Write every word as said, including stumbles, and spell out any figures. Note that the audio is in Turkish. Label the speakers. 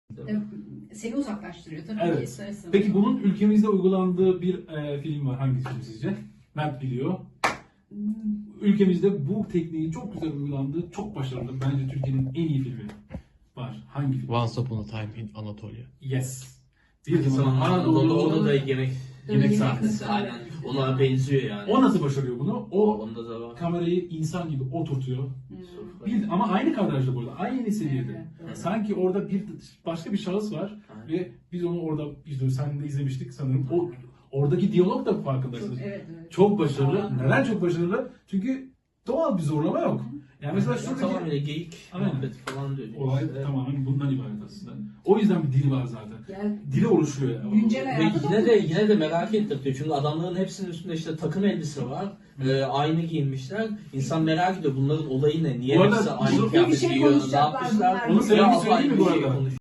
Speaker 1: Seni uzaklaştırıyor tabii
Speaker 2: Evet.
Speaker 1: ki. ister istemez.
Speaker 2: Peki bunun ülkemizde uygulandığı bir e, film var. Hangisi sizce? Mert biliyor.
Speaker 1: Hmm.
Speaker 2: Ülkemizde bu tekniği çok güzel uygulandığı, çok başarılı. Bence Türkiye'nin en iyi filmi var. Hangi film?
Speaker 3: Once Upon a Time in Anatolia.
Speaker 2: Yes. Bir
Speaker 4: Zaman
Speaker 2: zaman
Speaker 4: Anadolu'da
Speaker 2: Anadolu'da
Speaker 4: orada da yemek yemek
Speaker 1: Yemek
Speaker 4: sahnesi.
Speaker 1: sahnesi.
Speaker 4: Aynen. Ona benziyor yani.
Speaker 2: o nasıl başarıyor bunu? O
Speaker 4: Onda da var.
Speaker 2: kamerayı insan gibi oturtuyor.
Speaker 1: Hmm.
Speaker 2: Bir, ama aynı kadrajda burada, aynı seviyede.
Speaker 1: Evet, evet.
Speaker 2: Sanki orada bir başka bir şahıs var
Speaker 4: Aynen.
Speaker 2: ve biz onu orada izliyoruz. Sen de izlemiştik sanırım. O oradaki diyalog da farkındasın.
Speaker 1: Çok, evet, evet.
Speaker 2: Çok başarılı.
Speaker 1: Aynen.
Speaker 2: Neden çok başarılı? Çünkü doğal bir zorlama yok. Yani mesela
Speaker 4: Ya
Speaker 2: şuradaki
Speaker 4: tamamen geyik
Speaker 2: Aynen.
Speaker 4: muhabbeti falan diyor.
Speaker 2: olay
Speaker 4: İşte.
Speaker 2: tamamen bundan ibaret aslında. O yüzden bir dili var zaten.
Speaker 1: Yani
Speaker 2: Dili oluşuyor yani.
Speaker 1: güncel
Speaker 4: Ve
Speaker 1: hayata
Speaker 4: yine de
Speaker 1: dokunuyor.
Speaker 4: yine de merak ettirtiyor. Çünkü adamların hepsinin üstünde işte takım elbise var. E, aynı giyinmişler. İnsan merak ediyor bunların olayı ne? Niye
Speaker 2: Bu arada
Speaker 4: hepsi aynı
Speaker 2: bir
Speaker 4: kıyafet
Speaker 1: şey
Speaker 4: giyiyor? Ne
Speaker 1: konuşacaklar
Speaker 4: yapmışlar?
Speaker 1: bunlar.
Speaker 2: Onu söylemek
Speaker 4: Ya,
Speaker 2: söyleyeyim mi
Speaker 4: bir
Speaker 2: bu
Speaker 4: şey
Speaker 2: arada?
Speaker 4: konuş-